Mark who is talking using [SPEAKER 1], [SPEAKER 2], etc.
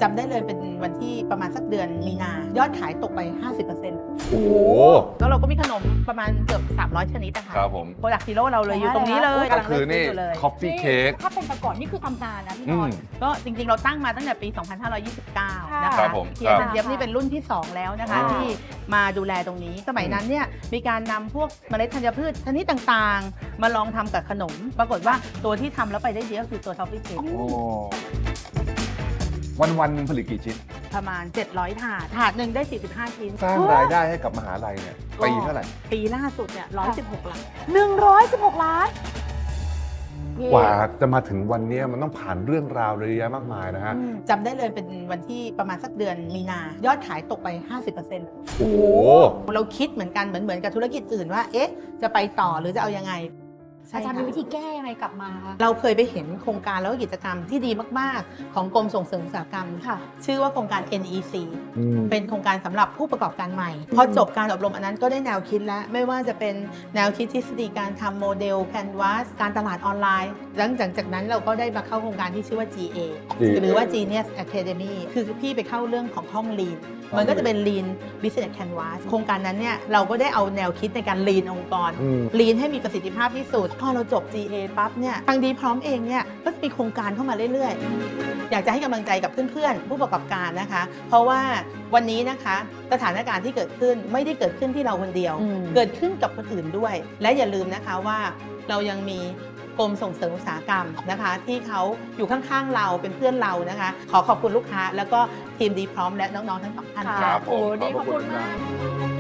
[SPEAKER 1] จำได้เลยเป็นวันที่ประมาณสักเดือนมีนายอดขายตกไป 50%
[SPEAKER 2] โอ้โห
[SPEAKER 1] แล้วเราก็มีขนมประมาณเกือบ300 ชนิดนะคะ
[SPEAKER 2] ครับผม
[SPEAKER 1] โปรดักต์ฮีโร่เราเลยอยู่ตรงนี้เลย
[SPEAKER 2] ก็
[SPEAKER 1] กำลัง
[SPEAKER 2] คือ
[SPEAKER 1] เลื
[SPEAKER 2] นี่
[SPEAKER 1] อกซื้ออยู่เลย
[SPEAKER 2] Coffee Cake
[SPEAKER 3] ถ้าเป็นแต่ก่อนนี่คือทำนานนะพี่นอน
[SPEAKER 1] ก็จริงๆ เราตั้งมาตั้งแต่ปี 2529 นะ
[SPEAKER 2] ครั
[SPEAKER 1] คะ
[SPEAKER 2] บผม
[SPEAKER 1] เทียนเจี๊ยบนี่เป็นรุ่นที่ 2 แล้วนะคะ
[SPEAKER 2] อ่า
[SPEAKER 1] ที่มาดูแลตรงนี้ สมัยนั้นเนี่ยมีการนำพวกเมล็ดธัญพืชชนิดต่างๆ มาลองทำกับขนม ปรากฏว่าตัวที่ทำแล้วไปได้ดีก็คือตัวทอฟฟี่เค้ก
[SPEAKER 2] วันๆหนึงผลิตกี่ชิ้น
[SPEAKER 1] ประมาณ 700 ถาดหนึ่งได้ 45 ชิ้น
[SPEAKER 2] สร้างรายได้ให้กับมหาลัยเนี่ยปีเท่าไหร่
[SPEAKER 1] ปีล่าสุดเนี่ย116 ล้าน
[SPEAKER 3] 116 ล้าน
[SPEAKER 2] กว่าจะมาถึงวันนี้มันต้องผ่านเรื่องราวเยอะแยะมากมายนะฮะ
[SPEAKER 1] จำได้เลยเป็นวันที่ประมาณสักเดือนมีนายอดขายตกไป 50%
[SPEAKER 2] โอ้โห
[SPEAKER 1] เราคิดเหมือนกันเหมือนกับธุรกิจอื่นว่าเอ๊ะจะไปต่อหรือจะเอายังไง
[SPEAKER 3] อาจารย์มีวิธีแก้ยังไงกลับมาคะ
[SPEAKER 1] เราเคยไปเห็นโครงการแล้วก็กิจกรรมที่ดีมากๆ ของกรมส่งเสริมอุตสาหกรรม
[SPEAKER 3] ค่ะ
[SPEAKER 1] ชื่อว่าโครงการ NEC เป็นโครงการสำหรับผู้ประกอบการใหม่ พอจบการอบรมอันนั้นก็ได้แนวคิดแล้ว ไม่ว่าจะเป็นแนวคิดทฤษฎีการทำโมเดล Canvas การตลาดออนไลน์ หลังจากนั้นเราก็ได้มาเข้าโครงการที่ชื่อว่า GA หรือว่า Genius Academy คือพี่ไปเข้าเรื่องของห้อง Lean มันก็จะเป็น Lean Business Canvas โครงการนั้นเนี่ยเราก็ได้เอาแนวคิดในการ Lean องค์กร Lean ให้มีประสิทธิภาพที่สุด พอเราจบ GA ปั๊บเนี่ยทางดีพร้อมเองเนี่ยก็จะมีโครงการเข้ามาเรื่อยๆ อยากจะให้กำลังใจกับเพื่อนๆ ผู้ประกอบการนะคะ เพราะว่าวันนี้นะคะสถานการณ์ที่เกิดขึ้นไม่ได้เกิดขึ้นที่เราคนเดียว เกิดขึ้นกับคนอื่นด้วย และอย่าลืมนะคะว่าเรายังมีกรมส่งเสริมอุตสาหกรรมนะคะ ที่เขาอยู่ข้างๆเราเป็นเพื่อนเรานะคะ ขอขอบคุณลูกค้า แล้วก็ทีมดีพร้อมและน้องๆทั้งสองท่าน
[SPEAKER 2] ครับผม
[SPEAKER 3] โอ้ดีขอบคุณมาก